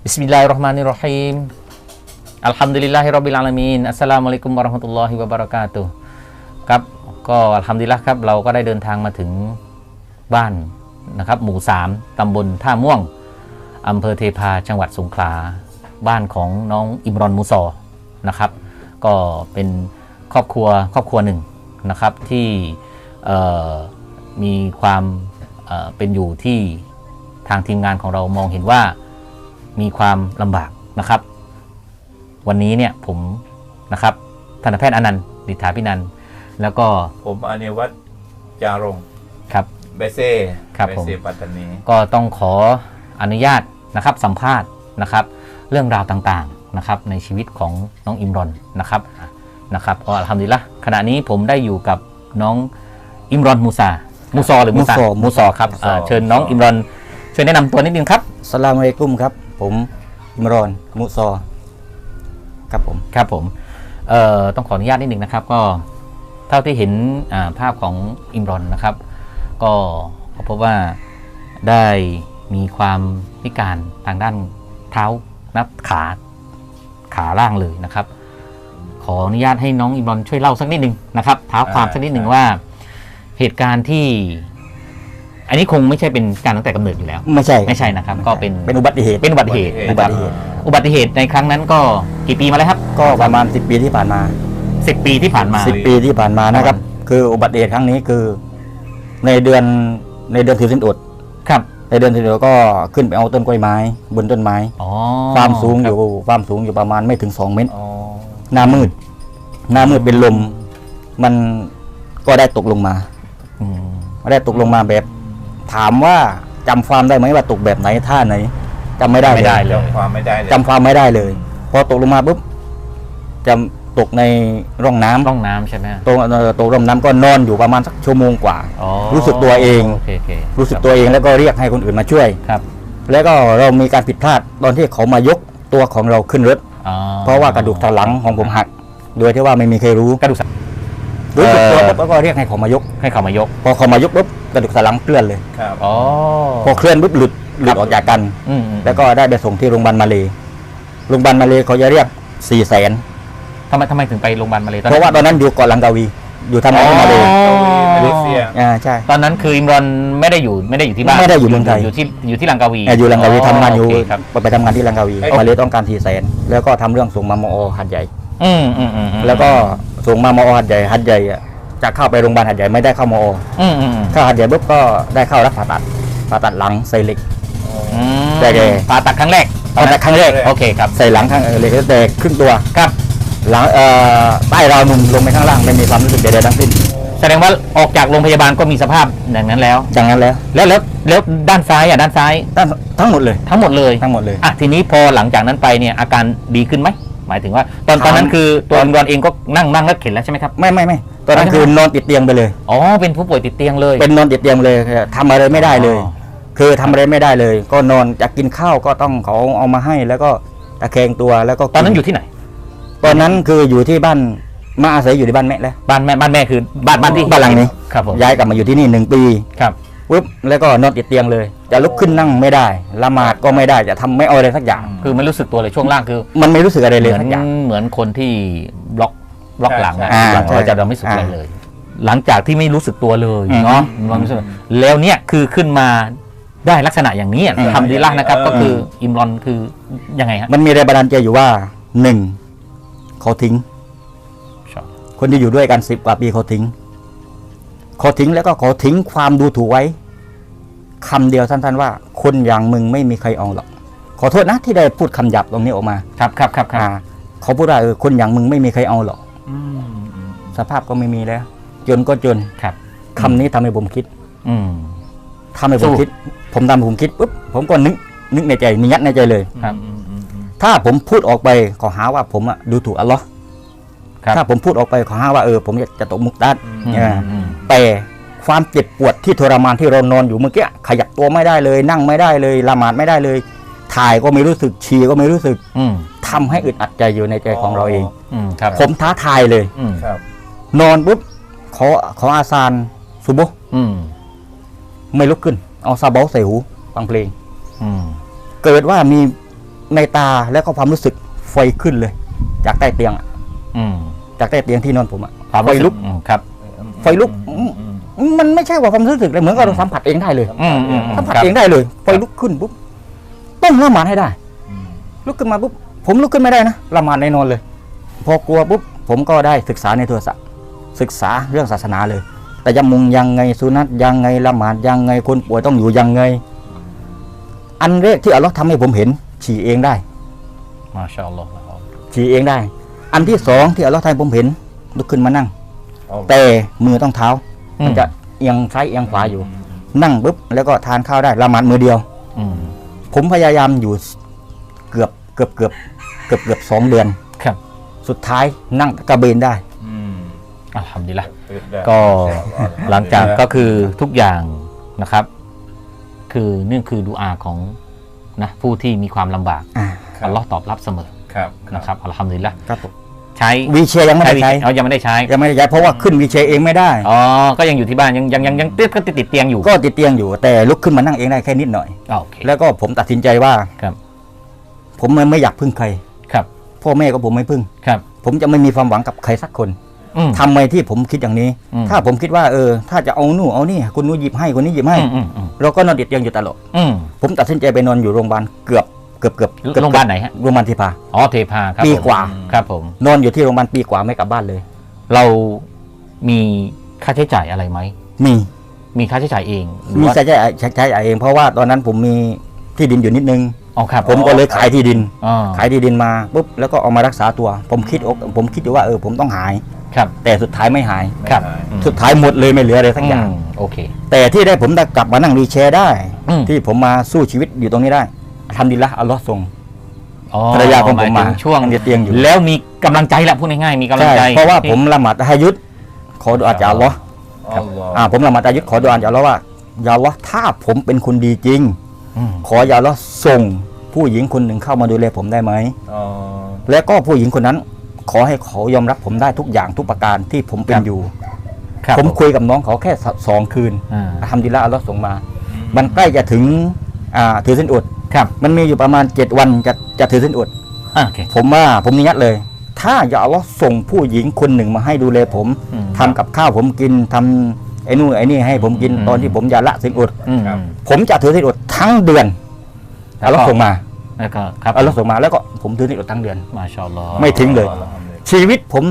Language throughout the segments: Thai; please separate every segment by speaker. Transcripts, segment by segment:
Speaker 1: บิสมิลลาฮิรเราะห์มานิรเราะฮีมอัลฮัมดุลิลลาฮิร็อบบิลอาลามีนอัสสลามุอะลัยกุมวะเราะห์มะตุลลอฮิวะบะเราะกาตุฮ์ครับก็อัลฮัมดุลิลละห์ครับเราก็ได้เดินทางมาถึงบ้านนะครับหมู่3ตำบลท่าม่วงอำเภอเทพาจังหวัดสงขลาบ้านของน้องอิมรอนมูซอนะครับก็เป็นครอบครัวหนึ่งนะครับที่มีความเป็นอยู่ที่ทางทีมงานของเรามองเห็นว่ามีความลำบากนะครับวันนี้เนี่ยผมนะครับทันตแพทย์อนันต์ดิษฐาพินันท์แล้วก็
Speaker 2: ผมอนิวัฒน์จารง
Speaker 1: ครับ
Speaker 2: เบเซ่
Speaker 1: ครับผม
Speaker 2: ปัตตานี
Speaker 1: ก็ต้องขออนุญาตนะครับสัมภาษณ์นะครับเรื่องราวต่างๆนะครับในชีวิตของน้องอิมรอนนะครับก็อัลฮัมดุลิลละห์ขณะนี้ผมได้อยู่กับน้องอิมรอนมูซอหรือมูซอครับเชิญน้องอิมรอนช่วยแนะนำตัวนิดนึงครับ
Speaker 3: อัสสลามุอะลัยกุมครับผมอิมรอนมูซอครับผม
Speaker 1: ต้องขออนุญาตนิดนึงนะครับก็เท่าที่เห็นภาพของอิมรอนนะครับก็พบว่าได้มีความพิการทางด้านเท้านับขาล่างเลยนะครับขออนุญาตให้น้องอิมรอนช่วยเล่าสักนิดนึงนะครับเท้าความสักนิดนึงว่าเหตุการณ์ที่อันนี้คงไม่ใช่เป็นการตั้งแต่กำเนิดอยู่แล้ว
Speaker 3: ไม่ใช่
Speaker 1: นะครับก็เป็น
Speaker 3: อุบัติเหตุ
Speaker 1: อุบัติเหตุในครั้งนั้นก็กี่ปีมาแล้วครับ
Speaker 3: ก็ประมาณ10 ปีที่ผ่านมา
Speaker 1: 10 ปีที่ผ่านมา
Speaker 3: นะครับคืออุบัติเหตุครั้งนี้คือในเดือนถือศีลอด
Speaker 1: ครับ
Speaker 3: ในเดือนถือศีลอดก็ขึ้นไปเอาต้นกล้วยไม้บนต้นไม้ความสูงอยู่ประมาณไม่ถึง2 เมตรหน้ามืดเป็นลมมันก็ได้ตกลงมาแบบถามว่าจำความได้ไหมว่าตกแบบไหนท่าไหนจำไม่ได้
Speaker 1: เลย
Speaker 3: จำความไม่ได้เลยพอตกลงมาปุ๊บจะตกในร่องน้
Speaker 1: ำใช่ไหม
Speaker 3: ตกร่องน้ำก็นอนอยู่ประมาณสักชั่วโมงกว่ารู้สึกตัวเองรู้สึกตัวเองแล้วก็เรียกให้คนอื่นมาช่วย
Speaker 1: ครับ
Speaker 3: แล้วก็เรามีการผิดพลาดตอนที่เขามายกตัวของเราขึ้นรถเพราะว่ากระดูกสันหลังของผมหักโดยที่ว่าไม่มีใครรู้รู้สึกตัวแล้วก็เรียกให้เขามายกพอเขามายกปุ๊บกระดูกสันหลังเคลื่อนเลยพอเคลื่อนปุ๊บหลุดออกจากกันแล้วก็ได้ไปส่งที่โรงพยาบาลมาเลเขาจะเรียก400,000
Speaker 1: ทำไมถึงไปโรงพยาบาลมาเล
Speaker 3: เพราะว่าตอนนั้นอยู่เกาะลังกาวีอยู่ทำงานที่มาเลใช่
Speaker 1: ตอนนั้นคืออิมรอนไม่ได้อยู่ที่บ้าน
Speaker 3: ไม่ได้อยู่เมืองไทย
Speaker 1: อยู่ที่ลังกาวี
Speaker 3: อยู่ลังกาวีทำงานอยู่ไปทำงานที่ลังกาวีมาเลต้องการ400,000แล้วก็ทำเรื่องส่งมามอหัดใหญ่แล้วก็ส่งมามอหัดใหญ่จะเข้าไปโรงพยาบาลหัดใหญ่ไม่ได้เข้ามอเข้าหัดใหญ่ปุ๊บก็ได้เข้ารับผ่าตัดหลังใส่เหล็ก
Speaker 1: แต่ผ่าตัดครั้งแรกโอเคครับ
Speaker 3: ใส่หลังข้างเหล็กแต่ครึ่งตัว
Speaker 1: ครับ
Speaker 3: หลังใต้ราวนมลงไปข้างล่างไม่มีความรู้สึกใดๆทั้งสิ้น
Speaker 1: แสดงว่าออกจากโรงพยาบาลก็มีสภาพอย่างนั้นแล้วแล้วด้านซ้าย
Speaker 3: ทั้งหมดเลย
Speaker 1: ทีนี้พอหลังจากนั้นไปเนี่ยอาการดีขึ้นไหมหมายถึงว่าตอนนั้นคือตัวอิมรอนเองก็นั่งแล้วเข็นแล้วใช่ไหมครับ
Speaker 3: ไม่ตอนนั้นคือนอนติดเตียงไปเลย
Speaker 1: เป็นผู้ป่วยติดเตียงเลย
Speaker 3: เป็นนอนติดเตียงเลยทำอะไรไม่ได้เลยคือทำอะไรไม่ได้เลยก็นอนจะกินข้าวก็ต้องเขาเอามาให้แล้วก็ตะแคงตัวแล้วก็
Speaker 1: ตอนนั้นอยู่ที่ไหน
Speaker 3: ตอนนั้นคืออยู่ที่บ้านมาอาศัยอยู่ที่บ้านแม่แล้ว
Speaker 1: บ้านแม่คือบ้านที่
Speaker 3: บ้านหลังนี้
Speaker 1: ครับผม
Speaker 3: ย้ายกลับมาอยู่ที่นี่1 ปี
Speaker 1: ครับ
Speaker 3: ปุ๊บแล้วก็นอนติดเตียงเลยจะลุกขึ้นนั่งไม่ได้ละหมาดก็ไม่ได้จะทำไม่เอาอะไรสักอย่าง
Speaker 1: คือไม่รู้สึกตัวเลยช่วงล่างคือ
Speaker 3: มันไม่รู้สึกอะไรเลยสักอย่าง
Speaker 1: เหมือนคนที่บล็อกหลังเราไม่รู้สึกอะไรเลยหลังจากที่ไม่รู้สึกตัวเลยเนาะแล้วเนี่ยคือขึ้นมาได้ลักษณะอย่างนี้ทำดีละนะครับก็คืออิมรอนคือยังไงฮะ
Speaker 3: มันมีแรงบันดาลใจอยู่ว่า1เขาทิ้งคนที่อยู่ด้วยกัน10 กว่าปีเขาทิ้งแล้วก็เขาทิ้งความดูถูกไว้คำเดียวสั้นๆว่าคนอย่างมึงไม่มีใครเอาหรอกขอโทษนะที่ได้พูดคำหยาบตรงนี้ออกมา
Speaker 1: ครับ
Speaker 3: เขาพูดว่าคนอย่างมึงไม่มีใครเอาหรอกสภาพก็ไม่มีแล้วจนก็จนคำนี้ทำให้ผมคิดผมคิดปุ๊บผมก็นึกในใจยัดในใจเลยถ้าผมพูดออกไปขอหาว่าผมดูถูกอัลลอฮ์ถ้าผมพูดออกไปขอหาว่าผมจะตกมุกดัดแต่ความเจ็บปวดที่ทรมานที่เรานอนอยู่เมื่อกี้ขยับตัวไม่ได้เลยนั่งไม่ได้เลยละหมาดไม่ได้เลยถ่ายก็ไม่รู้สึกฉี่ก็ไม่รู้สึกทำให้อึดอัดใจอยู่ในใจของเราเองผมท้าทายเลยนอนปุ๊บขออาซานซุโบไม่ลุกขึ้นเอาซาเบาใส่หูฟังเพลงเกิดว่ามีในตาแล้วก็ความรู้สึกไฟขึ้นเลย จากใต้เตียงอะ
Speaker 1: อืม
Speaker 3: จากใต้เตียงที่นอนผมอะ
Speaker 1: ความ
Speaker 3: ไฟ
Speaker 1: รู้สึ
Speaker 3: ลุก
Speaker 1: ครับ
Speaker 3: ไฟลุกมันไม่ใช่ว่าความรู้สึกเลยเหมือนกับเราสัมผัสเองได้เลย สัมผัส
Speaker 1: ครับ
Speaker 3: เองได้เลยไฟลุกขึ้นปุ๊บต้องละหมาดให้ได้ ลุกขึ้นมาปุ๊บผมลุกขึ้นไม่ได้นะละหมาดในนอนเลย พอกลัวปุ๊บผมก็ได้ศึกษาในโทรศัพท์ศึกษาเรื่องศาสนาเลย แต่ยมุงยังไงสุนัตยังไงละหมาดยังไงคนป่วยต้องอยู่ยังไง อันแรกที่อัลลอฮ์ทำให้ผมเห็นฉี่เองได้
Speaker 1: มาชาอัลลอฮ์
Speaker 3: ฉี่เองได้ อันที่สองที่อัลลอฮ์ทำให้ผมเห็นลุกขึ้นมานั่ง แต่มือต้องเท้า มันจะเอียงซ้ายเอียงขวาอยู่ นั่งปุ๊บแล้วก็ทานข้าวได้ละหมาดมือเดียว ผมพยายามอยู่เกือบ2 เดือน
Speaker 1: ครับ
Speaker 3: สุดท้ายนั่งกระเบนได้
Speaker 1: อัลฮัมดุลิลละห์ก็หลังจากก็คือทุกอย่างนะครับ คือนี่คือดุอาของนะผู้ที่มีความลำบาก อัลลอฮ์ตอบรับเสมอ
Speaker 2: ครับ
Speaker 1: นะครับอัลฮัมดุลิลละห์
Speaker 3: ครับผม
Speaker 1: ใช้
Speaker 3: วีเชร์ยังไม่ได้ใช้
Speaker 1: เอายังไม่ได้ใช้
Speaker 3: ยังไม่ได้ใช้เพราะว่าขึ้นวีเชร์เองไม่ได้
Speaker 1: อ๋อก็ยังอยู่ที่บ้านยังติดเตียงอยู่
Speaker 3: ก็ติดเตียงอยู่แต่ลุกขึ้นมานั่งเองได้แค่นิดหน่อย
Speaker 1: โอเค
Speaker 3: แล้วก็ผมตัดสินใจว่า
Speaker 1: ครับ
Speaker 3: ผมไม่อยากพึ่งใคร
Speaker 1: ครับ
Speaker 3: พ่อแม่ก็ผมไม่พึ่ง
Speaker 1: ครับ
Speaker 3: ผมจะไม่มีความหวังกับใครสักคน
Speaker 1: อืม
Speaker 3: ทำไมที่ผมคิดอย่างนี้
Speaker 1: อืม
Speaker 3: ถ้าผมคิดว่าถ้าจะเอานู่นเอานี่คนนู้นหยิบให้คนนี้หยิบให้
Speaker 1: อืม
Speaker 3: เราก็นอนติดเตียงอยู่ตลอด
Speaker 1: อืม
Speaker 3: ผมตัดสินใจไปนอนอยู่โรงพยาบาลเกือบ
Speaker 1: โรงพยาบาลไหนฮะ
Speaker 3: โรงพยาบาลเทพา
Speaker 1: อ๋อเทพาครับ
Speaker 3: ปี
Speaker 1: ผม
Speaker 3: กว่า
Speaker 1: ครับผม
Speaker 3: นอนอยู่ที่โรงพยาบาลปีกว่าไม่กลับบ้านเลย
Speaker 1: เรามีค่าใช้จ่ายอะไรไหม มีค่าใช้จ่ายเองหรือ
Speaker 3: มี
Speaker 1: ว่า
Speaker 3: ใช้เองเพราะว่าตอนนั้นผมมีที่ดินอยู่นิดนึง
Speaker 1: อ๋อครับ
Speaker 3: ผมก็เลยขายที่ดิน
Speaker 1: อ๋อ
Speaker 3: ขายที่ดินมาปุ๊บแล้วก็เอามารักษาตัว ผมคิดอยู่ว่าผมต้องหาย
Speaker 1: ครับ
Speaker 3: แต่สุดท้ายไม่หาย
Speaker 1: ครับ
Speaker 3: สุดท้ายหมดเลยไม่เหลืออะไรสักอย่าง
Speaker 1: โอเค
Speaker 3: แต่ที่ได้ผมได้กลับมานั่งวีลแชร์ได้
Speaker 1: อืม
Speaker 3: ที่ผมมาสู้ชีวิตอยู่ตรงนี้ได้ทำดีละอัลลอฮ์ทรง
Speaker 1: อ๋อ
Speaker 3: ภรรยาของผม
Speaker 1: หยถึ
Speaker 3: มา
Speaker 1: ช่วง
Speaker 3: ติดเตียงอยู่
Speaker 1: แล้วมีกำลังใจแหละพูดง่ายๆมีกำลัง
Speaker 3: ใช่
Speaker 1: ใจ
Speaker 3: เพราะว่าผมละหมาดตะฮะยุดขอดุอาจากอัลลอฮ์
Speaker 2: อัลลอฮ์
Speaker 3: ผมละหมาดตะฮะยุดขอดุอาจากอัลลอฮ์ว่าอย่าอัลลอฮ์ถ้าผมเป็นคนดีจริง
Speaker 1: อืม
Speaker 3: ขออย่าอัลลอฮ์ส่งผู้หญิงคนหนึ่งเข้ามาดูแลผมได้ไหม
Speaker 2: อ๋อ
Speaker 3: และก็ผู้หญิงคนนั้น ขอให้เขายอมรับผมได้ทุกอย่างทุกประการที่ผมเป็นอยู่
Speaker 1: ครับ
Speaker 3: ผมคุยกับน้องเขาแค่2 คืน
Speaker 1: อ่า
Speaker 3: ทำดีละอัลลอฮ์ส่งมา มันใกล้จะถึงถือศีลอด
Speaker 1: ครับ
Speaker 3: มันมีอยู่ประมาณ7 วันจะถือศีลอด
Speaker 1: โอเค
Speaker 3: ผมนิยัดเลย ถ้าอย่าอัลลอฮ์ส่งผู้หญิงคนหนึ่งมาให้ดูแลผม
Speaker 1: อืม
Speaker 3: ทำกับข้าวผมกินทำไอ้นู่นไอ้นี่ให้ผมกิน
Speaker 1: อืม
Speaker 3: ตอนที่ผมจะละศีลอด
Speaker 1: อืม
Speaker 3: ผมจะถือศีลอดทั้งเดือนอัลลอฮ์ส่งมา
Speaker 1: แล้วก็ครับ
Speaker 3: อัลลอฮ์ส่งมาแล้วก็ผมถือศีลอดทั้งเดือน
Speaker 1: มาชาอัลลอฮ์
Speaker 3: ไม่ทิ้งเลย
Speaker 2: อัลฮัมดุลิลลาห์
Speaker 3: ชีวิตผม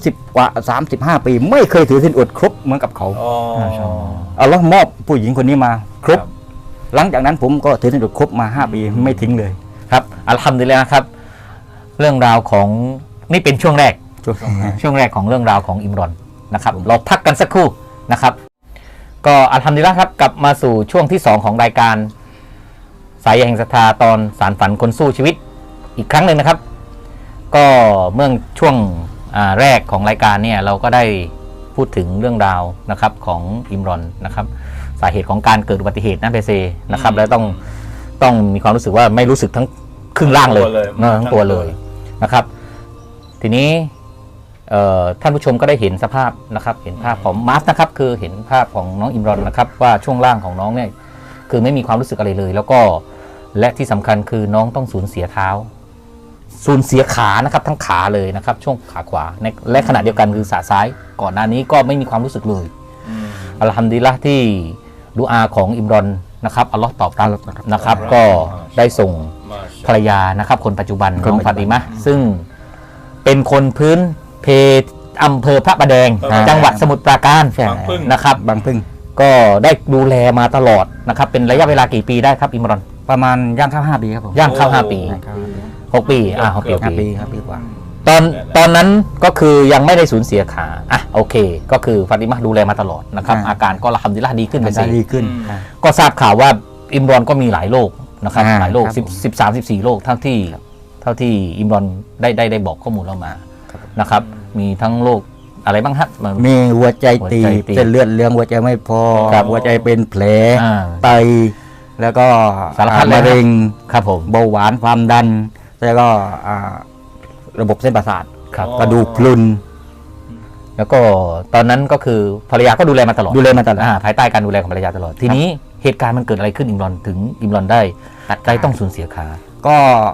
Speaker 3: 35 ปีไม่เคยถือศีลอดครบเหมือนกับเขา
Speaker 2: อ๋อ
Speaker 1: มาชาอัลลอฮ์
Speaker 3: อัลลอฮ์มอบผู้หญิงคนนี้มาครบ
Speaker 2: ครับ
Speaker 3: หลังจากนั้นผมก็ถือศีลอดครบมา5 ปีไม่ทิ้งเลย
Speaker 1: ครับอัลฮัมดุลิลละห์ครับ เรื่องราวของนี่เป็นช่วงแรก ช่วงแรกของเรื่องราวของอิมรอนนะครับ เราพักกันสักครู่นะครับ ก็อัลฮัมดุลิลละห์ครับกลับมาสู่ช่วงที่ 2 ของรายการสายใยแห่งศรัทธาตอนสารฝันคนสู้ชีวิตอีกครั้งหนึ่งนะครับ ก็เมื่อช่วงแรกของรายการเนี่ยเราก็ได้พูดถึงเรื่องราวนะครับของอิมรอนนะครับ สาเหตุของการเกิดอุบัติเหตุนะเบเซนะครับแล้วต้องมีความรู้สึกว่าไม่รู้สึกทั้งครึ่งล่างเลยทั้งตัวเลยนะครับ ทีนี้ท่านผู้ชมก็ได้เห็นสภาพนะครับเห็นภาพของมาสนะครับคือเห็นภาพของน้องอิมรอนนะครับว่าช่วงล่างของน้องเนี่ยคือไม่มีความรู้สึกอะไรเลย แล้วก็และที่สำคัญคือน้องต้องสูญเสียเท้า สูญเสียขานะครับทั้งขาเลยนะครับช่วงขาขวาและขณะเดียวกันคือขาซ้ายก่อนหน้านี้ก็ไม่มีความรู้สึกเลยอัลฮัมดุลิลละห์ที่ดุอาของอิมรอนนะครับอัลลอฮ์ตอบรับนะครับก็ได้ส่งภรรยานะครับคนปัจจุบันน้องฟาติมะห์ซึ่งเป็นคนพื้นเพอำเภอพระประแดงจังหวัดสมุทรปราการนะครับ
Speaker 3: บางพึ่ง
Speaker 1: ก็ได้ดูแลมาตลอดนะครับเป็นระยะเวลากี่ปีได้ครับอิมรอน
Speaker 3: ประมาณย่างเข้า5 ปีครับผม
Speaker 1: ย่างเข้า5 ปี 6 ปี6 ปี
Speaker 3: 5 ปีครับปีกว่า
Speaker 1: ตอนนั้นก็คือยังไม่ได้สูญเสียขาโอเค ก็คือฟาติมะห์ดูแลมาตลอดนะครับ อาการก็อัลฮัมดุลิลละห์ดีขึ้นไป
Speaker 3: ได้ดีขึ้น
Speaker 1: ก็ทราบข่าวว่าอิมรอนก็มีหลายโรคนะครับหลายโรค
Speaker 3: ครับผม
Speaker 1: 13-14 โรคเท่าที่อิมรอนได้บอกข้อมูลเรามานะครับมีทั้งโรคอะไรบ้างฮะ
Speaker 3: มีหัวใจตีบ
Speaker 1: หัวใจตีบ
Speaker 3: เส้นเลือดเลี้ยงหัวใจไม่พอ
Speaker 1: ครับ
Speaker 3: หัวใจเป็นแผล
Speaker 1: อ่า
Speaker 3: ไตแล้วก็
Speaker 1: สารพัดเลย
Speaker 3: มะเร็ง
Speaker 1: ครับผม
Speaker 3: เบาหวานความดัน แล้วก็ระบบเส้นประสาท
Speaker 1: ครับ
Speaker 3: กระดูกพรุน
Speaker 1: แล้วก็ตอนนั้นก็คือภรรยาก็ดูแลมาตลอด
Speaker 3: ดูแลมาตลอด
Speaker 1: ภายใต้การดูแลของภรรยาตลอดทีนี้เหตุการณ์มันเกิดอะไรขึ้นอิมรอนถึงอิมรอนได้ต้องสูญเสียขา
Speaker 3: ก็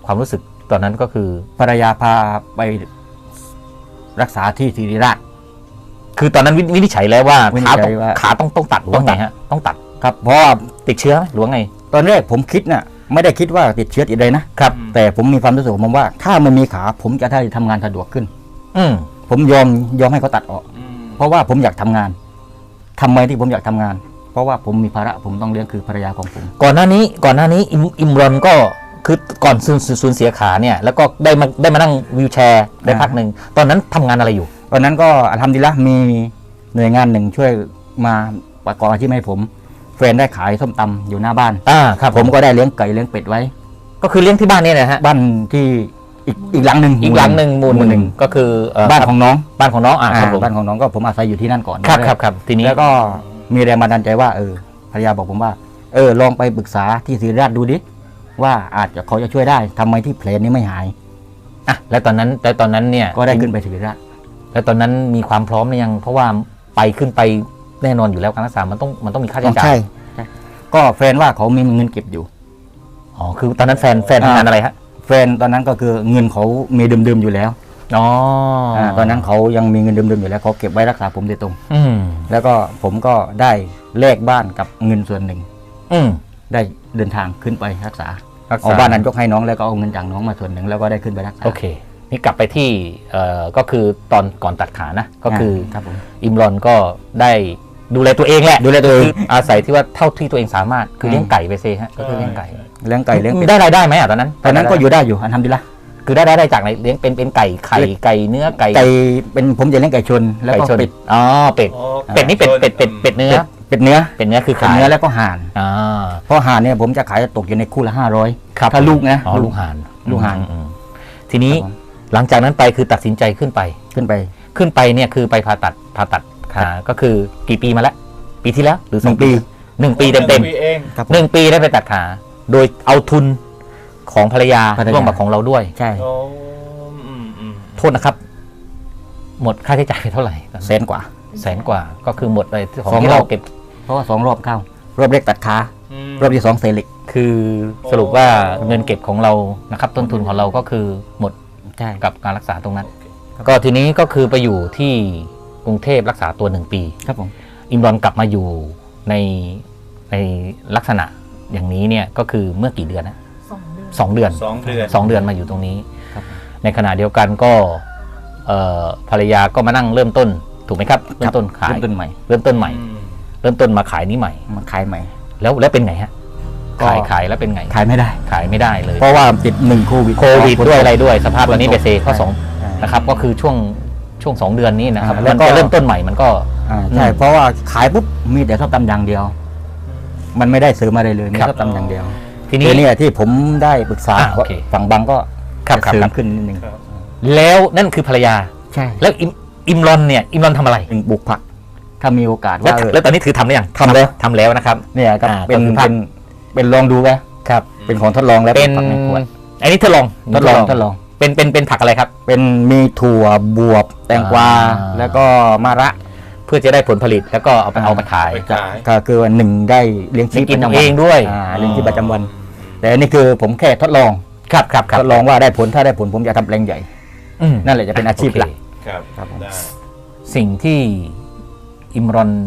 Speaker 1: ความรู้สึกตอนนั้นก็คือ
Speaker 3: ภรรยาพาไปรักษาที่ศิริราช
Speaker 1: คือตอนนั้นวินิจฉัยแล้วว่า
Speaker 3: วินิจฉัยว่า
Speaker 1: ขาต้องตัดหรือว่าไงฮะต้องตัด
Speaker 3: ครับเพราะว่า
Speaker 1: ติดเชื้อไหมหรือว่าไง
Speaker 3: ตอนแรกผมคิดน่ะไม่ได้คิดว่าติดเชื้อติดอะไรนะครับ แต่ผมมีความรู้สึกของผมว่า ถ้ามันมีขาผมจะได้ทำงานสะดวกขึ้น
Speaker 1: อืม
Speaker 3: ผมยอมให้เขาตัดออก เพราะว่าผมอยากทำงานทำไมที่ผมอยากทำงาน เพราะว่าผมมีภาระผมต้องเลี้ยงคือภรรยาของผม
Speaker 1: ก่อนหน้านี้อิมรอนก็คือก่อนสูญเสียขาเนี่ยแล้วก็ได้มานั่งวีลแชร์ได้พักหนึ่งตอนนั้นทำงานอะไรอยู่
Speaker 3: ตอนนั้นก็อัลฮัมดุลิลละห์มีหน่วยงานหนึ่งช่วยมาประกอบอาชีพให้ผมแฟนได้ขายส้มตำอยู่หน้าบ้าน
Speaker 1: ครับ
Speaker 3: ผมก็ได้เลี้ยงไก่เลี้ยงเป็ดไว้
Speaker 1: ก็คือเลี้ยงที่บ้านนี่นะฮะ
Speaker 3: บ้านที่อีกหลังหนึ่ง
Speaker 1: อีกหลังหนึ่งหมู่หนึ่งก็คือ
Speaker 3: บ้านของน้อง
Speaker 1: บ้านของน้องครับผม
Speaker 3: บ้านของน้องก็ผมอาศัยอยู่ที่นั่นก่อน
Speaker 1: ครับทีนี้
Speaker 3: แล้วก็มีแรงบันดาลใจว่าภรรยาบอกผมว่าลองไปปรึกษาที่ศิริราชดูดิว่าอาจจะเขาจะช่วยได้ทำไมที่แผลนี้ไม่หาย
Speaker 1: แล้วตอนนั้นเนี่ย
Speaker 3: ก็ได้ขึ้นไปศิริราช
Speaker 1: แล้วตอนนั้นมีความพร้อมหรือยังเพราะว่าขึ้นไปแน่นอนอยู่แล้วการรักษามันต้องมีค่าใช้จ่าย
Speaker 3: ใช่ก็แฟนว่าเขามีเงินเก็บอยู่
Speaker 1: อ๋อคือตอนนั้นแฟนทำงานอะไรฮะ
Speaker 3: แฟนตอนนั้นก็คือเงินเขามีเดิมๆอยู่แล้ว
Speaker 1: อ๋อ
Speaker 3: ตอนนั้นเขายังมีเงินเดิมๆอยู่แล้วเขาเก็บไว้รักษาผมโดยตรง
Speaker 1: อืม
Speaker 3: แล้วก็ผมก็ได้แลกบ้านกับเงินส่วนหนึ่ง
Speaker 1: อืม
Speaker 3: ได้เดินทางขึ้นไปรักษาเอาบ้านนั้นยกให้น้องแล้วก็เอาเงินจากน้องมาส่วนหนึ่งแล้วก็ได้ขึ้นไปรักษา
Speaker 1: โอเคนี่กลับไปที่ก็คือตอนก่อนตัดขานะก็คือ
Speaker 3: ครับผม
Speaker 1: อิมรอนก็ได้ดูแลตัวเองแหละ
Speaker 3: ดูแลตัวเอง
Speaker 1: คืออาศัยที่ว่าเท่าที่ตัวเองสามารถคือเลี้ยงไก่ไปเซฮะก็คือเลี้ยงไก่
Speaker 3: เลี้ยงไก่เลี้ยงเป็ด
Speaker 1: ได้รายได้ไหมตอนนั้น
Speaker 3: ตอนนั้นก็อยู่ได้อยู่อันทำดีละ
Speaker 1: คือได้จากไหนเลี้ยงเป็นไก่ไข่ไก่เนื้อไก่
Speaker 3: ไก่เป็นผมจะเลี้ยงไก่ชนแล้วก็
Speaker 1: ไก่ชน
Speaker 3: เป็ด
Speaker 1: อ๋อเป็ดนี่เป็ดเนื้อ
Speaker 3: เป็ดเนื้อ
Speaker 1: เป็ดเนื้อคือ
Speaker 3: เป็ด
Speaker 1: ขาย
Speaker 3: เนื้อแล้วก็ห่าน
Speaker 1: อ่า
Speaker 3: เพราะห่านเนี่ยผมจะขายตกอยู่ในคู่ละ500
Speaker 1: ครับ
Speaker 3: ถ้าลูกนะ
Speaker 1: อ๋อลูกห่าน
Speaker 3: ลูกห่าน
Speaker 1: อืมทีนี้
Speaker 3: ครับผม
Speaker 1: หลังจากนั้นไปคือตัดสินใจขึ้นไป
Speaker 3: ขึ้นไป
Speaker 1: เนี่ยคือไปผ่าตัดขาก็คือกี่ปีมาแล้วปีที่แล้วหรือ
Speaker 3: 1 ปี
Speaker 1: 1 ปีเต็ม
Speaker 2: ปีเอง
Speaker 3: ครับผม
Speaker 1: 1 ปีได้ไปตัดขาโดยเอาทุนของภรรยาร่วมกับของเราด้วย
Speaker 3: ใช่
Speaker 2: โอ้
Speaker 1: โทษนะครับ หมดค่าใช้จ่ายไปเท่าไหร่ตอนนั้น
Speaker 3: แสนกว่า
Speaker 1: แสนกว่าก็คือหมดเลยของ
Speaker 3: สอง
Speaker 1: ที่
Speaker 3: รอ
Speaker 1: เรา
Speaker 3: บ
Speaker 1: เก็บ
Speaker 3: เพราะว่า2 รอบเข้ารอบแรกตัดขารอบที่2เซลิก
Speaker 1: คือสรุปว่าเงินเก็บของเรานะครับต้นทุนของเราก็คือหมด
Speaker 3: ใช่
Speaker 1: กับการรักษาตรงนั้น ก็ทีนี้ก็คือไปอยู่ที่กรุงเทพรักษาตัว1 ปี
Speaker 3: ครับผม
Speaker 1: อิมรอนกลับมาอยู่ในลักษณะอย่างนี้เนี่ยก็คือเมื่อกี่เดือนนะ2 เดือน
Speaker 2: 2 เดือน
Speaker 1: 2 เดือนมาอยู่ตรงนี้
Speaker 3: ครับ
Speaker 1: ในขณะเดียวกันก็ภรรยาก็มานั่งเริ่มต้นถูกไหมครับเริ่มต้นขาย
Speaker 3: เริ่มต้นใหม่
Speaker 1: เริ่มต้นใหม่ เริ่มต้นมาขายนี้ใหม่
Speaker 3: มาขายใหม่
Speaker 1: แล้วเป็นไงฮะ
Speaker 3: ก็
Speaker 1: ขายแล้วเป็นไง
Speaker 3: ขายไม่ได้
Speaker 1: ขายไม่ได้เลย
Speaker 3: เพราะว่าติด1โควิด
Speaker 1: โควิดด้วยอะไรด้วยสภาพตอนนี้เบเซข้อ
Speaker 3: ใช่
Speaker 1: 2นะครับก็คือช่วง2 เดือนนี้นะครับ
Speaker 3: แล้
Speaker 1: แล้ว
Speaker 3: วก็
Speaker 1: ก็เริ่มต้นใหม่มันก็
Speaker 3: ใช่เพราะว่าขายปุ๊บมีแต่ชอบตำอย่างเดียว มันไม่ได้เสริมอะไรเลยมี
Speaker 1: ครับ
Speaker 3: ชอบตำอย่างเดียว
Speaker 1: ทีนี้
Speaker 3: ทีนี้ที่ผมได้ปรึกษา
Speaker 1: โอเค
Speaker 3: ฝั่งบางก็
Speaker 1: ครับ
Speaker 3: จะเสริ
Speaker 1: ครั
Speaker 3: ม
Speaker 1: บ
Speaker 3: ขึ้นนิดนึง
Speaker 1: แล้วนั่นคือภรรยา
Speaker 3: ใช่
Speaker 1: แล้วอิมรอนเนี่ยอิมรอนทำอะไร
Speaker 3: ถึงปลูกผัก ถ้ามีโอกาส
Speaker 1: แล้ว
Speaker 3: ว่า
Speaker 1: แล้วตอนนี้ถือทำหรือยัง
Speaker 3: ทำแล้ว
Speaker 1: ทำแล้วนะครับ
Speaker 3: เนี่ยครับ
Speaker 1: ก็คือผัก
Speaker 3: เป็นลองดูไหม
Speaker 1: ครับ
Speaker 3: เป็นของทดลองแล้ว
Speaker 1: เป็น
Speaker 3: ผักในขวด
Speaker 1: อันนี้ทดลอง
Speaker 3: ทดลอง
Speaker 1: เป็นผักอะไรครับ
Speaker 3: เป็นมีถั่วบวบแตงกวา
Speaker 1: อ่า
Speaker 3: แล้วก็มะระ
Speaker 1: เพื่อจะได้ผลผลิตแล้วก็เอาไปขาย
Speaker 2: ไปขาย
Speaker 3: ก็คือว่าหนึ่งได้เลี้ยงชี
Speaker 1: ได้
Speaker 3: พ
Speaker 1: กิน
Speaker 3: ประจำ
Speaker 1: เองด้วย
Speaker 3: เลี้ยงชีพประจำวัน แต่อันนี่คือผมแค่ทดลอง
Speaker 1: ครับครับ
Speaker 3: ทดลองว่าได้ผลถ้าได้ผลผมจะทำแปลงใหญ่
Speaker 1: อืม
Speaker 3: นั่นแหละจะเป็นอาชีพหลัก
Speaker 1: โอเค
Speaker 2: ครับ
Speaker 3: ครับผม
Speaker 2: ได้
Speaker 1: สิ่งที่อิมรอน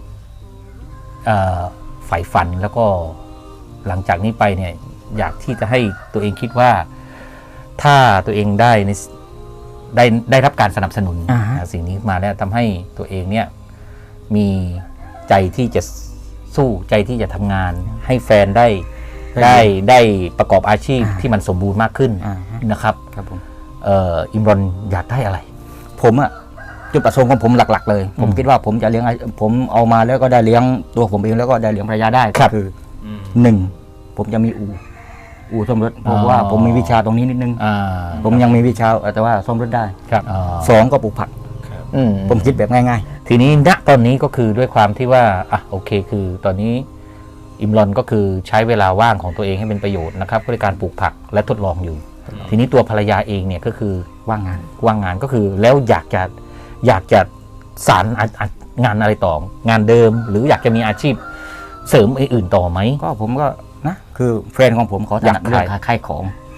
Speaker 1: ใฝ่ฝันแล้วก็หลังจากนี้ไปเนี่ยอยากที่จะให้ตัวเองคิดว่า ถ้าตัวเองได้รับการสนับสนุน
Speaker 3: อ่าฮะ
Speaker 1: สิ่งนี้มาแล้วทำให้ตัวเองเนี่ยมีใจที่จะสู้ใจที่จะทำงาน ให้แฟนได้ประกอบอาชีพที่มันสมบูรณ์มากขึ้น
Speaker 3: อ่าฮะ
Speaker 1: นะครับ
Speaker 3: ครับผม
Speaker 1: อิมรอนอยากได้อะไร
Speaker 3: ผมอะจุดประสงค์ของผมหลักๆ เลย ผมคิดว่าผมจะเลี้ยงผมเอามาแล้วก็ได้เลี้ยงตัวผมเองแล้วก็ได้เลี้ยงภรรยาได้
Speaker 1: ครับ
Speaker 3: ก็คือ
Speaker 2: อืม
Speaker 3: หนึ่งผมจะมีอู่ซ่อมรถเพราะว่าผมมีวิชาตรงนี้นิดนึง ผมยังมีวิชาแต่ว่าซ่อมรถได้
Speaker 1: ครับ
Speaker 3: สองก็ปลูกผัก
Speaker 2: ครับ
Speaker 3: ผมคิดแบบง่าย
Speaker 1: ทีนี้ณตอนนี้ก็คือด้วยความที่ว่าโอเคคือตอนนี้อิมรอนก็คือใช้เวลาว่างของตัวเองให้เป็นประโยชน์นะครับด้วยการปลูกผักและทดลองอยู่ ทีนี้ตัวภรรยาเองเนี่ยก็คือ
Speaker 3: ๆว่างงาน
Speaker 1: ว่างงานก็คือแล้วอยากจะสารงานอะไรต่องานเดิม หรืออยากจะมีอาชีพเสริมอื่นต่อไหม
Speaker 3: ก็ผมก็นะคือแฟนของผมเขาถนัด
Speaker 1: อยาก
Speaker 3: เรื่อ
Speaker 1: ขาย
Speaker 3: งขายของ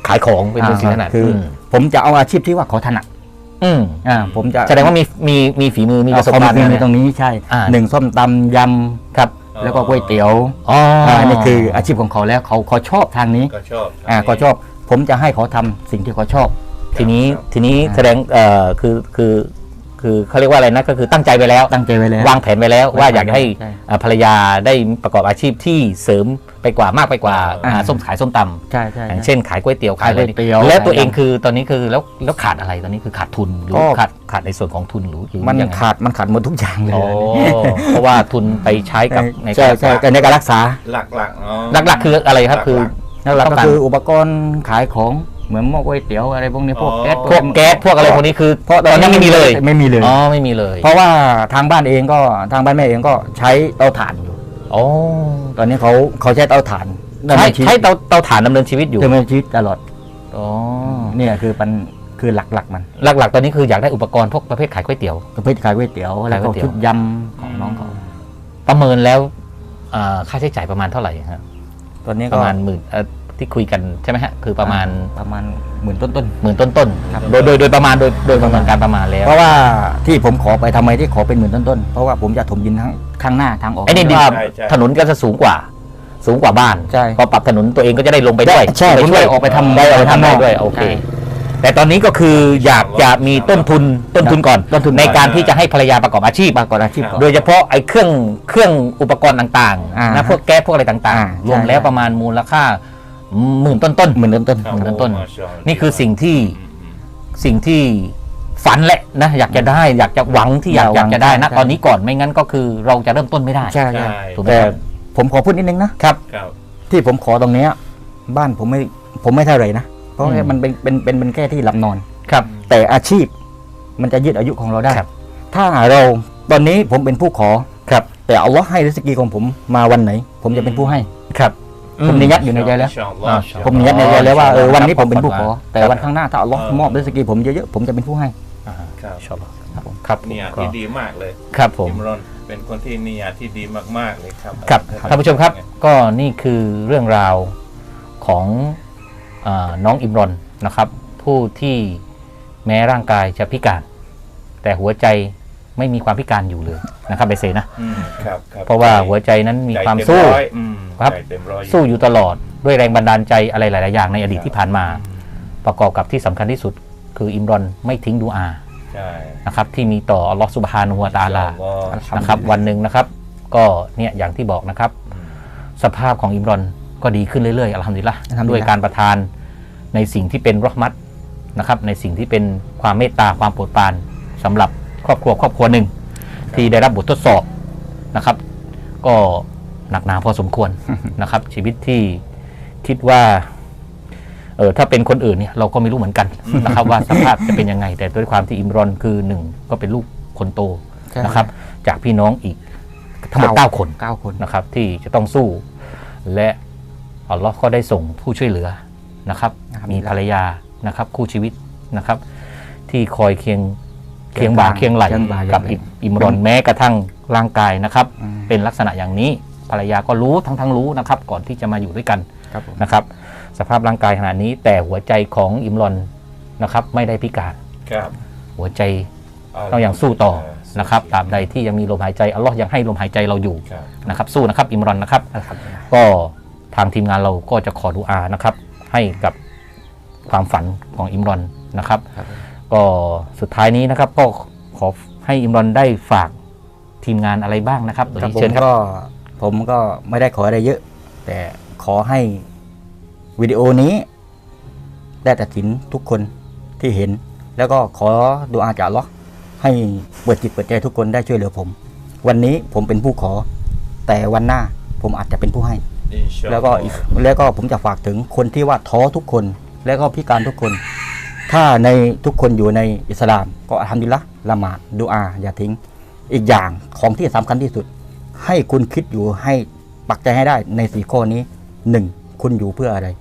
Speaker 1: ขายของเป็นสิ่งถนัด
Speaker 3: คืออผมจะเอาอาชีพที่ว่าเขาถนัด
Speaker 1: อืม
Speaker 3: ผมจะ
Speaker 1: แสดงว่ามีฝีมือมีประสบการณ์
Speaker 3: ในตรงนี้ใช่ หนึ่งส้มตำย
Speaker 1: ครับ
Speaker 3: ำแล้วก็ก๋วยเตี๋ยว
Speaker 1: อ๋อ
Speaker 3: นี่คืออาชีพของเขาแล้วเขาชอบทางนี้
Speaker 2: ก็ชอบ
Speaker 3: ก็ชอบผมจะให้เขาทำสิ่งที่เขาชอบ
Speaker 1: ทีนี้
Speaker 3: อ่า
Speaker 1: แสดงคือเขาเรียกว่าอะไรนะก็คือตั้งใจไปแล้ว
Speaker 3: ตั้งใจไว้แล้ว
Speaker 1: วางแผนไปแล้วว่าอยากให้
Speaker 3: ใช่
Speaker 1: ภรรยาได้ประกอบอาชีพที่เสริมไปกว่ามากไปกว่าส้มขายส้มตำ
Speaker 3: ใช่ใช่
Speaker 1: อย่างเช่นขายก๋วยเตี๋ยว
Speaker 3: ขายก๋วยเตี๋ยว
Speaker 1: แล้วตัวเอง
Speaker 3: ขายยำ
Speaker 1: คือตอนนี้คือแล้วขาดอะไรตอนนี้คือขาดทุนหรือ
Speaker 3: ก็
Speaker 1: ขาดในส่วนของทุนหรือ
Speaker 3: มัน
Speaker 1: ยังไง
Speaker 3: ขาดหมดทุกอย่างเลย
Speaker 1: โอ้เพราะว่าทุนไปใช้กับใน
Speaker 3: ใช่
Speaker 1: การ
Speaker 3: ใช่แต่ในการรักษา
Speaker 2: หลักๆเนาะ
Speaker 1: หลักๆคืออะไรครับคือ
Speaker 3: หลัก
Speaker 1: ต้
Speaker 3: ๆ
Speaker 1: อง
Speaker 3: ก็
Speaker 1: การ
Speaker 3: คืออุปกรณ์ขายของเหมือนหม้อก๋วยเตี๋ยวอะไรพวกนี้พวกแก๊ส
Speaker 1: พวกแก๊สพวกอะไรพวกนี้คือตอนนี้ไม่มีเลย
Speaker 3: ไม่มีเลย
Speaker 1: อ๋อไม่มีเลย
Speaker 3: เพราะว่าทางบ้านแม่เองก็ใช้เตาถ่านอยู่
Speaker 1: โอ้
Speaker 3: ตอนนี้เขาใช้เตาถ่านดำ
Speaker 1: ใช้
Speaker 3: เนินชีวิต
Speaker 1: ใช้เตาถ่านดำเนินชีวิตอยู่
Speaker 3: ดำเนินชีวิตตลอด
Speaker 1: อ๋อ
Speaker 3: เนี่ยคือหลักๆมัน
Speaker 1: หลักๆตอนนี้คืออยากได้อุปกรณ์พวกประเภทขายก๋วยเตี๋ยว
Speaker 3: ประเภทขายก๋วยเตี๋ยวแล้ว
Speaker 1: ขายก๋
Speaker 3: ก็
Speaker 1: วยเตี๋ยว
Speaker 3: ชุดยำของน้องเขา
Speaker 1: ประเมินแล้วค่าใช้จ่ายประมาณเท่าไหร่ครับ
Speaker 3: ตอนนี้
Speaker 1: ป
Speaker 3: ก็
Speaker 1: ระมาณหมื่นที่คุยกันใช่ไหมฮะคือประมาณ
Speaker 3: หมื่นต้น
Speaker 1: หมื่นต้น
Speaker 3: ครับ
Speaker 1: ๆโดยประมาณโดยประมาณการประมาณแล้
Speaker 3: ๆ
Speaker 1: ว
Speaker 3: เพราะว่าที่ผมขอไปทำไมที่ขอเป็นหมื่นต้นๆเพราะว่าผมจะถมดินทั้งข้างหน้าทางออก
Speaker 1: ไอ้นี่ดิน
Speaker 2: ใช่ใช่
Speaker 1: ถนนก็จะสูงกว่าบ้าน
Speaker 3: ใช่
Speaker 1: พอปรับถนนตัวเองก็จะได้ลงไปด้วย
Speaker 3: ใช่
Speaker 1: ไป
Speaker 3: ผม
Speaker 1: ช่วย
Speaker 3: ได้ออกไปทำ
Speaker 1: ได้ออกไปทำได้
Speaker 3: ข้างนอก
Speaker 1: ด้วยโอเค
Speaker 3: ใช่
Speaker 1: แต่ตอนนี้ก็คืออยากจะมีต้นทุนก่อน
Speaker 3: ต้นทุน
Speaker 1: ในการที่จะให้ภรรยาประกอบอาชีพ
Speaker 3: ประกอบอาชีพก่อน
Speaker 1: โดยเฉพาะไอ้เครื่องอุปกรณ์ต่าง
Speaker 3: อ่า
Speaker 1: ๆนะพวกแก๊สพวกอะไรต่าง
Speaker 3: อ่า
Speaker 1: ๆ รวมแล้ว
Speaker 3: ใช่
Speaker 1: ประมาณมูลค่าหมื่นต้น
Speaker 3: หมื่นต้น
Speaker 2: ครับ
Speaker 1: หมื่นต้น
Speaker 2: โอ้มาชาอัลลอฮ์
Speaker 1: นี่คือสิ่งที่ฝันแหละนะอยากจะได้อยากจะหวังที่อยากจะได้นะตอนนี้ก่อนไม่งั้นก็คือเราจะเริ่มต้นไม่ได้
Speaker 3: ๆใช่
Speaker 2: ใช่
Speaker 1: ถูกไหม
Speaker 3: แต่
Speaker 1: ครับ
Speaker 3: ผมขอพูดนิดนึงนะครับ
Speaker 2: ครับ
Speaker 3: ที่ผมขอตรงเนี้ยบ้านผมไม่เท่าไหร่นะเพราะว่ามันเป็นแค่ที่หลับนอน
Speaker 1: ครับ
Speaker 3: แต่อาชีพมันจะยืดอายุของเราได้
Speaker 1: ครับ
Speaker 3: ถ้าเราตอนนี้ผมเป็นผู้ขอ
Speaker 1: ครับ
Speaker 3: แต่อัลลอฮ์ให้ริสกีของผมมาวันไหน ผมจะเป็นผู้ให้
Speaker 1: ครับ
Speaker 3: ผมนิยัดอยู่ในใจแล้ว
Speaker 2: อินชาอัลลอฮ์
Speaker 3: ผมนิยัดในใจแล้วว่า
Speaker 1: อ๋อ
Speaker 3: วันนี้ผมเป็นผู้ขอ
Speaker 1: ครับ
Speaker 3: แต่วันข้างหน้าถ้าอัลลอฮ์มอบริสกีผมเยอะๆผมจะเป็นผู้ให้
Speaker 2: ครับ
Speaker 1: ชอบครับผมครับ
Speaker 2: เนี่ย
Speaker 1: ก็
Speaker 2: ที่ดีมากเลย
Speaker 1: ครับผม
Speaker 2: อิมรอนเป็นคนที่เนียที่ดีมากๆเลยครับ
Speaker 1: ครับท่านผู้ชมครับก็นี่คือเรื่องราวของน้องอิมรอนนะครับ ผู้ที่แม้ร่างกายจะพิการ แต่หัวใจไม่มีความพิการอยู่เลยนะครับเบเซนะ
Speaker 2: ครับ
Speaker 1: เพราะว่าหัวใจนั้นมีความ
Speaker 2: ใจเต็
Speaker 1: สู้
Speaker 2: ร้อย
Speaker 1: ครับ
Speaker 2: ใจเต็มร้อย
Speaker 1: สู้อยู่ตลอดด้วยแรงบันดาลใจอะไรหลาย ๆ อย่างในอดีตที่ผ่านมา ประกอบกับที่สำคัญที่สุด คืออิมรอนไม่ทิ้งดูอา
Speaker 2: ใช่
Speaker 1: นะครับที่มีต่ออัลลอฮฺซุบฮานะฮูวะตะอาลา
Speaker 2: อัลลอฮ์
Speaker 1: นะครับวันหนึ่งนะครับก็เนี่ยอย่างที่บอกนะครับ สภาพของอิมรอนก็ดีขึ้นเรื่อยๆอัลฮัมดุลิลละห์
Speaker 3: อัลฮัมดุลิลละห์
Speaker 1: ด้วยการประทานในสิ่งที่เป็นเราะห์มัตนะครับในสิ่งที่เป็นความเมตตาความโปรดปรานสำหรับครอบครัวหนึ่งที่ได้รับบททดสอบนะครับ ก็หนักหนาพอสมควร นะครับ ชีวิตที่คิดว่าถ้าเป็นคนอื่นเนี่ยเราก็ไม่รู้เหมือนกันนะครับว่าสภาพจะเป็นยังไง แต่ด้วยความที่อิมรอนคือหนึ่งก็เป็นลูกคนโต
Speaker 3: ใช่
Speaker 1: นะครับ จากพี่น้องอีกทั้งหมด9 คน
Speaker 3: 9 คน
Speaker 1: นะครับที่จะต้องสู้ และอัลลอฮ์ก็ได้ส่งผู้ช่วยเหลือนะครับ มีภรรยานะครับคู่ชีวิตนะครับ ที่คอยเคียงบ่าเคียงไหลกับอิมรอนแม้กระทั่งร่างกายนะครับ เป็นลักษณะอย่างนี้ภรรยาก็รู้ทั้งรู้นะครับ ก่อนที่จะมาอยู่ด้วยกัน
Speaker 3: ครับผม
Speaker 1: นะครับ สภาพร่างกายขนาดนี้ แต่หัวใจของอิมรอนนะครับไม่ได้พิการ
Speaker 2: ครับ
Speaker 1: หัวใจต้องยังสู้ต่อนะครับตราบใดที่ยังมีลมหายใจอัลลอฮ์ยังให้ลมหายใจเราอยู่
Speaker 2: ครับ
Speaker 1: นะครับสู้นะครับอิมรอนนะครับ
Speaker 3: อัลฮัมดุลิลลาห์
Speaker 1: ก็ทางทีมงานเราก็จะขอดุอานะครับ ให้กับความฝันของอิมรอนนะครับ
Speaker 3: ครับผม
Speaker 1: ก็สุดท้ายนี้นะครับก็ขอให้อิมรอนได้ฝากทีมงานอะไรบ้างนะครับ
Speaker 3: ครับ
Speaker 1: เชิญครับ
Speaker 3: ผมก็ไม่ได้ขออะไรเยอะ แต่ขอให้วิดีโอนี้ได้ตัดสินทุกคนที่เห็น แล้วก็ขอดุอาจากอัลเลาะห์ให้เปิดจิตเปิดใจทุกคนได้ช่วยเหลือผม วันนี้ผมเป็นผู้ขอ แต่วันหน้าผมอาจจะเป็นผู้ให้
Speaker 2: อินชาอัล
Speaker 3: แล้ว
Speaker 2: ล
Speaker 3: ก็
Speaker 2: อฮ์
Speaker 3: แล้วก็ผมจะฝากถึงคนที่ว่าท้อทุกคน แล้วก็พิการทุกคน ถ้าในทุกคนอยู่ในอิสลาม ก็อัลฮัมดุลิลละห์ละหมาดดุอาอย่าทิ้ง อีกอย่างของที่สำคัญที่สุด ให้คุณคิดอยู่ให้ปักใจให้ได้ใน4ข้อนี้ 1. คุณอยู่เพื่ออะไร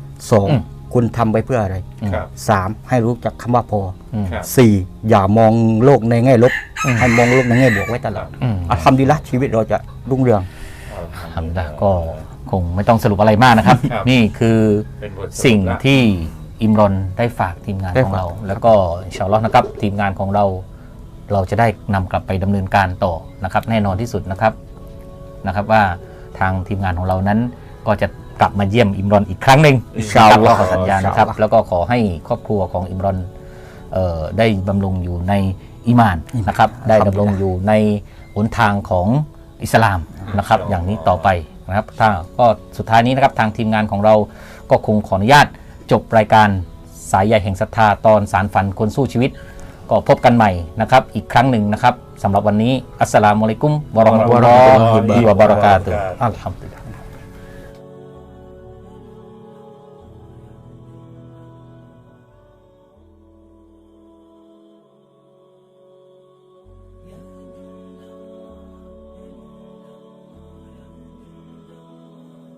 Speaker 3: 2. คุณทำไปเพื่ออะไร
Speaker 2: ครับ
Speaker 3: 3. ให้รู้จักคำว่าพอ
Speaker 2: ครับ
Speaker 3: 4. อย่ามองโลกในแง่ลบ ให้มองโลกในแง่บวกไว้ตลอด
Speaker 1: อืม
Speaker 3: อัลฮัมดุลิลละห์ชีวิตเราจะรุ่งเรือง
Speaker 1: ทำได้ก็คงไม่ต้องสรุปอะไรมากนะครับ
Speaker 2: ครับ
Speaker 1: นี่คือ
Speaker 2: เป็นบทสรุป
Speaker 1: สิ่ง
Speaker 2: ละ
Speaker 1: ที่อิมรอนได้ฝากทีมงาน
Speaker 3: ได้
Speaker 1: ของ
Speaker 3: ฝาก
Speaker 1: เรา แล้วก็อินชาอัลลอฮ์นะครับทีมงานของเราจะได้นำกลับไปดำเนินการต่อนะครับ แน่นอนที่สุดนะครับว่าทางทีมงานของเรานั้นก็จะกลับมาเยี่ยมอิมรอนอีกครั้งหนึ่ง
Speaker 3: อินชาอัลลอฮ์
Speaker 1: ขอสัญญานะครับ
Speaker 3: อินชาอัลลอฮ์
Speaker 1: แล้วก็ขอให้ครอบครัวของอิมรอนได้บำรุงอยู่ในอีหม่านนะครับ ได้ดำรงอยู่ในหนทางของอิสลามนะครับ อย่างนี้ต่อไปนะครับถ้าก็สุดท้ายนี้นะครับทางทีมงานของเราก็คงขออนุญาตจบรายการสายใยแห่งศรัทธาตอนสารฝันคนสู้ชีวิต ก็พบกันใหม่นะครับอีกครั้งหนึ่งนะครับสำหรับวันนี้อัสสลามุอะลัยกุมวะเราะห์มะตุลลอฮิวะบะเราะกาตุฮ์อัลฮัมดุลิลลาฮ์